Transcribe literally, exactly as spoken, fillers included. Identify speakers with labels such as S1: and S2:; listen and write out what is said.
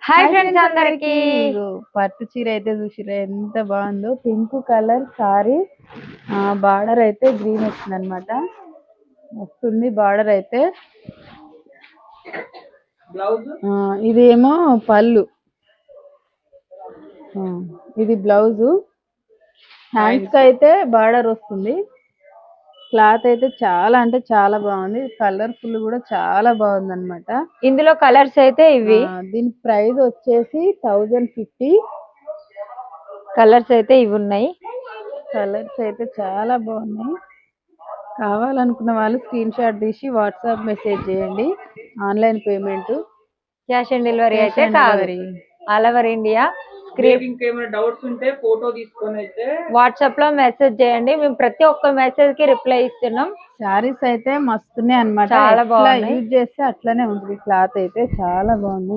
S1: Hi
S2: hi
S1: friends
S2: friends
S1: అందరికి.
S2: అందరికి ఇగో పట్టు చీర అయితే చూసిరా ఎంత బాగుందో. పింక్ కలర్ సారీ, బార్డర్ అయితే గ్రీన్ వచ్చింది అనమాట. వస్తుంది బార్డర్ అయితే. బ్లౌజ్ ఇదేమో పళ్ళు, ఆ, ఇది బ్లౌజు. హ్యాండ్స్ కి అయితే బార్డర్ వస్తుంది. క్లాత్ అయితే చాలా అంటే చాలా బాగుంది. కలర్ఫుల్ కూడా చాలా బాగుంది అనమాట.
S1: ఇందులో కలర్స్ అయితే ఇవి.
S2: దీని ప్రైస్ వచ్చేసి థౌజండ్ ఫిఫ్టీ.
S1: కలర్స్ అయితే ఇవి ఉన్నాయి.
S2: కలర్స్ అయితే చాలా బాగున్నాయి. కావాలనుకున్న వాళ్ళు స్క్రీన్ షాట్ తీసి వాట్సాప్ మెసేజ్ చేయండి. Online payment,
S1: cash on delivery అయితే కాదు. All over India.
S2: ఇంకేమైనా డౌట్స్ ఉంటే ఫోటో తీసుకొని అయితే
S1: వాట్సాప్ లో మెసేజ్ చేయండి. మేము ప్రతి ఒక్క మెసేజ్ కి రిప్లై ఇస్తున్నాం.
S2: శారీస్ అయితే మస్తున్నాయి అన్నమాట.
S1: చాలా
S2: చాలా
S1: బాగున్నాయి.
S2: యూజ్ చేస్తే అట్లనే ఉంటుంది. క్లాత్ అయితే చాలా బాగుంది.